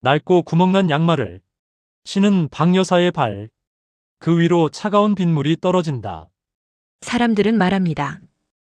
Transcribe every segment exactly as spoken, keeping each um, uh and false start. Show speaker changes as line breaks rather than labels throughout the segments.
낡고 구멍난 양말을 신은 박 여사의 발, 그 위로 차가운 빗물이 떨어진다.
사람들은 말합니다.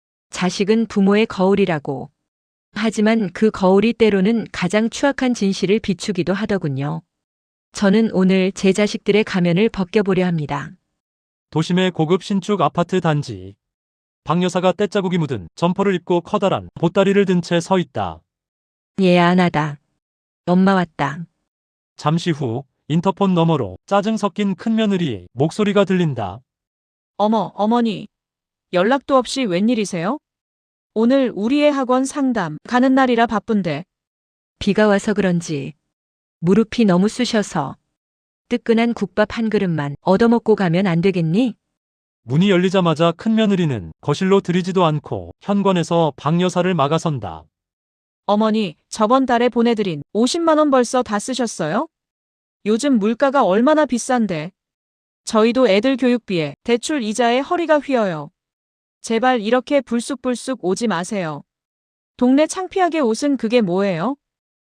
자식은 부모의 거울이라고. 하지만 그 거울이 때로는 가장 추악한 진실을 비추기도 하더군요. 저는 오늘 제 자식들의 가면을 벗겨보려 합니다.
도심의 고급 신축 아파트 단지. 박 여사가 떼자국이 묻은 점퍼를 입고 커다란 보따리를 든 채 서 있다.
얘야 안하다. 엄마 왔다.
잠시 후 인터폰 너머로 짜증 섞인 큰며느리의 목소리가 들린다.
어머, 어머니. 연락도 없이 웬일이세요? 오늘 우리 애 학원 상담 가는 날이라 바쁜데.
비가 와서 그런지 무릎이 너무 쑤셔서 뜨끈한 국밥 한 그릇만 얻어먹고 가면 안 되겠니?
문이 열리자마자 큰며느리는 거실로 들이지도 않고 현관에서 박 여사를 막아선다.
어머니, 저번 달에 보내드린 오십만 원 벌써 다 쓰셨어요? 요즘 물가가 얼마나 비싼데. 저희도 애들 교육비에 대출 이자에 허리가 휘어요. 제발 이렇게 불쑥불쑥 오지 마세요. 동네 창피하게 옷은 그게 뭐예요?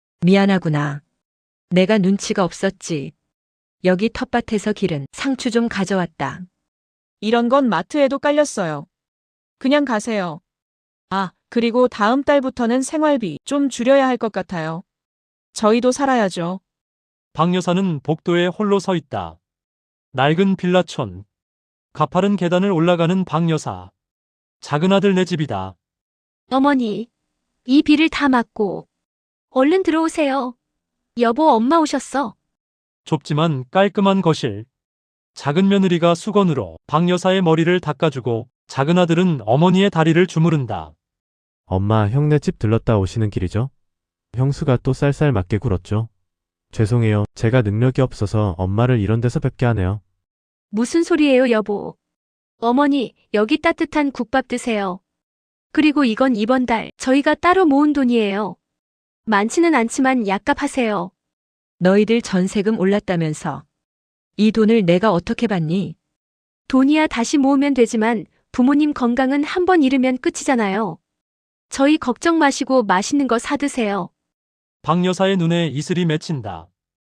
미안하구나. 내가 눈치가 없었지. 여기 텃밭에서 기른 상추 좀 가져왔다.
이런 건 마트에도 깔렸어요. 그냥 가세요. 아, 그리고 다음 달부터는 생활비 좀 줄여야 할 것 같아요. 저희도 살아야죠.
박 여사는 복도에 홀로 서 있다. 낡은 빌라촌. 가파른 계단을 올라가는 박 여사. 작은 아들 내 집이다.
어머니, 이 비를 다 맞고 얼른 들어오세요. 여보, 엄마 오셨어.
좁지만 깔끔한 거실. 작은 며느리가 수건으로 박 여사의 머리를 닦아주고 작은 아들은 어머니의 다리를 주무른다.
엄마, 형네 집 들렀다 오시는 길이죠? 형수가 또 쌀쌀 맞게 굴었죠? 죄송해요. 제가 능력이 없어서 엄마를 이런 데서 뵙게 하네요.
무슨 소리예요, 여보. 어머니, 여기 따뜻한 국밥 드세요. 그리고 이건 이번 달 저희가 따로 모은 돈이에요. 많지는 않지만 약값 하세요.
너희들 전세금 올랐다면서. 이 돈을 내가 어떻게 받니?
돈이야 다시 모으면 되지만 부모님 건강은 한 번 잃으면 끝이잖아요. 저희 걱정 마시고 맛있는 거 사드세요.
박 여사의 눈에 이슬이 맺힌다.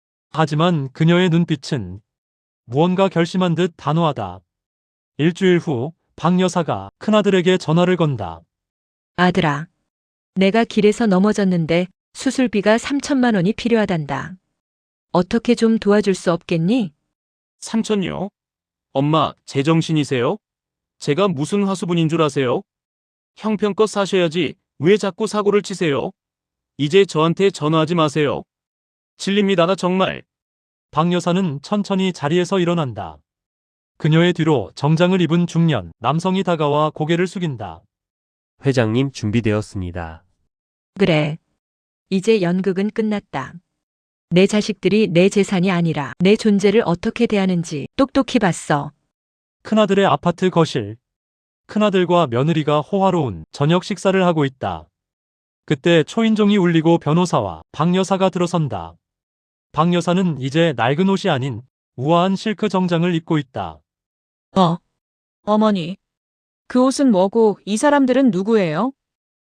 하지만 그녀의 눈빛은 무언가 결심한 듯 단호하다. 일주일 후 박 여사가 큰아들에게 전화를 건다.
아들아. 내가 길에서 넘어졌는데 수술비가 삼천만 원이 필요하단다. 어떻게 좀 도와줄 수 없겠니?
삼천요? 엄마, 제정신이세요? 제가 무슨 화수분인 줄 아세요? 형편껏 사셔야지 왜 자꾸 사고를 치세요? 이제 저한테 전화하지 마세요. 질립니다, 나 정말.
박 여사는 천천히 자리에서 일어난다. 그녀의 뒤로 정장을 입은 중년 남성이 다가와 고개를 숙인다.
회장님 준비되었습니다.
그래. 이제 연극은 끝났다. 내 자식들이 내 재산이 아니라 내 존재를 어떻게 대하는지 똑똑히 봤어.
큰아들의 아파트 거실. 큰아들과 며느리가 호화로운 저녁 식사를 하고 있다. 그때 초인종이 울리고 변호사와 박 여사가 들어선다. 박 여사는 이제 낡은 옷이 아닌 우아한 실크 정장을 입고 있다.
어. 어머니. 그 옷은 뭐고 이 사람들은 누구예요?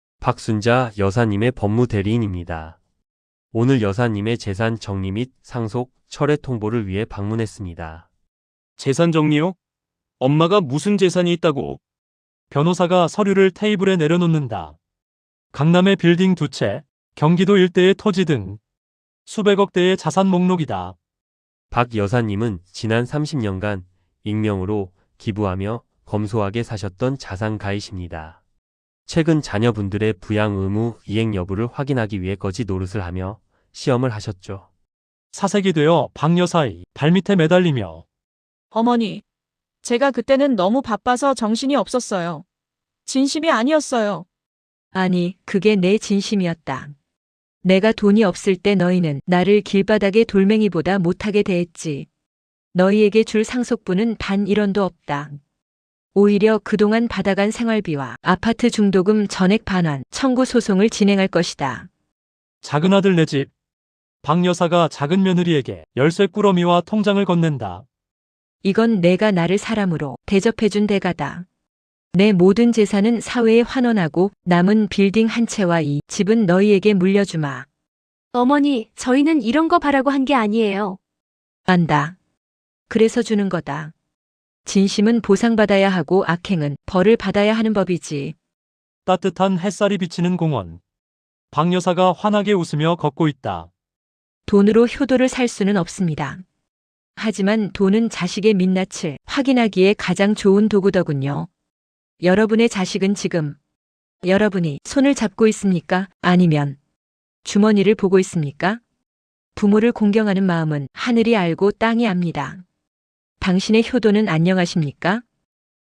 박순자 여사님의 법무 대리인입니다. 오늘 여사님의 재산 정리 및 상속, 철회 통보를 위해 방문했습니다.
재산 정리요? 엄마가 무슨 재산이 있다고?
변호사가 서류를 테이블에 내려놓는다. 강남의 빌딩 두 채, 경기도 일대의 토지 등 수백억 대의 자산 목록이다.
박 여사님은 지난 삼십 년간 익명으로 기부하며 검소하게 사셨던 자산가이십니다. 최근 자녀분들의 부양 의무 이행 여부를 확인하기 위해 거지 노릇을 하며 시험을 하셨죠.
사색이 되어 박 여사의 발밑에 매달리며
어머니. 제가 그때는 너무 바빠서 정신이 없었어요. 진심이 아니었어요.
아니, 그게 내 진심이었다. 내가 돈이 없을 때 너희는 나를 길바닥의 돌멩이보다 못하게 대했지. 너희에게 줄 상속분은 단 일 원도 없다. 오히려 그동안 받아간 생활비와 아파트 중도금 전액 반환 청구 소송을 진행할 것이다.
작은 아들 내 집. 박 여사가 작은 며느리에게 열쇠 꾸러미와 통장을 건넨다.
이건 내가 나를 사람으로 대접해준 대가다. 내 모든 재산은 사회에 환원하고 남은 빌딩 한 채와 이 집은 너희에게 물려주마.
어머니, 저희는 이런 거 바라고 한 게 아니에요.
안다. 그래서 주는 거다. 진심은 보상받아야 하고 악행은 벌을 받아야 하는 법이지.
따뜻한 햇살이 비치는 공원. 박 여사가 환하게 웃으며 걷고 있다.
돈으로 효도를 살 수는 없습니다. 하지만 돈은 자식의 민낯을 확인하기에 가장 좋은 도구더군요. 여러분의 자식은 지금 여러분이 손을 잡고 있습니까? 아니면 주머니를 보고 있습니까? 부모를 공경하는 마음은 하늘이 알고 땅이 압니다. 당신의 효도는 안녕하십니까?